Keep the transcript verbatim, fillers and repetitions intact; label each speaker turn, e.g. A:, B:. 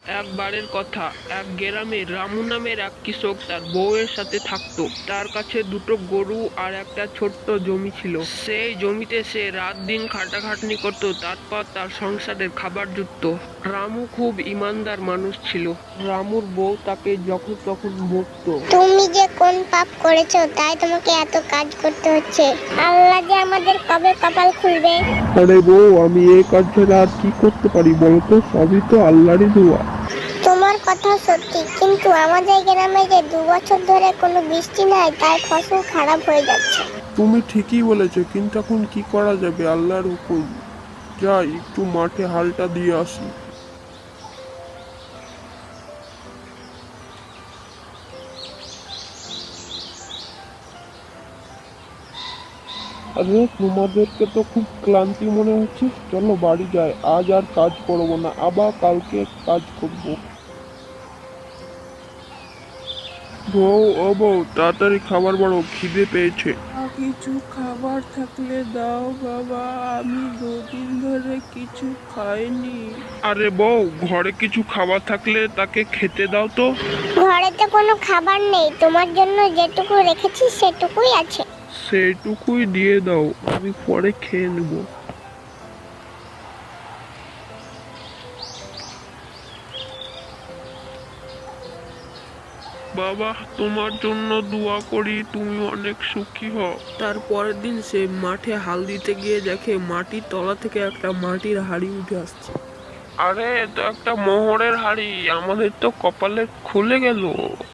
A: একবারের কথা, এক গ্রামে রামু নামের এক কৃষক তার বউয়ের সাথে থাকতো। তার কাছে দুটো গরু আর একটা ছোট্ট জমি ছিল। সেই জমিতে সে রাত দিন খাটাখাটনি করত, তারপর তার সংসারের খাবার জুটত। রামু খুব ইমানদার মানুষ ছিল। রামুর বউ তাকে যখন তখন বকতো।
B: তুমি যে কোন পাপ করেছো তাই তোমাকে এত কাজ করতে হচ্ছে? আল্লাহ যে আমাদের কবে কপাল খুলবে।
A: আরে বউ, আমি এই কাজ ছাড়া আর কি করতে পারি বলতো? সবই তো আল্লাহরই দোয়া।
B: তোমার কথা সত্যি, কিন্তু আমাদের গ্রামে যে দু বছর ধরে কোনো বৃষ্টি নাই, তাই ফসল খারাপ হয়ে যাচ্ছে।
A: তুমি ঠিকই বলেছো, কিন্তু এখন কি করা যাবে? আল্লাহর হুকুম। যাই একটু মাঠে হালটা দিয়ে আসি। আরে তোমাদেরকে তো খুব ক্লান্তি মনে হচ্ছে, চলো বাড়ি যাই। আজ আর কাজ করবো না, আবার কালকে কাজ করব। বউ, ও বউ, তাড়াতাড়ি খাবার বাড়ো, খিদে পেয়েছে। কিছু খাবার থাকলে দাও বাবা, আমি দুদিন ধরে কিছু খাইনি। আরে বউ, ঘরে কিছু খাবার থাকলে তাকে খেতে দাও তো।
B: ঘরে তো কোনো খাবার নেই, তোমার জন্য যেটুকু রেখেছি সেটুকুই আছে।
A: সেটুকুই দিয়ে দাও, আমি পরে খেয়ে নেব। বাবা, তোমার জন্য দোয়া করি, তুমি অনেক সুখী হও। তারপরের দিন সে মাঠে হাল দিতে গিয়ে দেখে মাটির তলা থেকে একটা মাটির হাড়ি উঠে আসছে। আরে, এ তো একটা মোহরের হাড়ি, আমাদের তো কপালে খুলে গেল।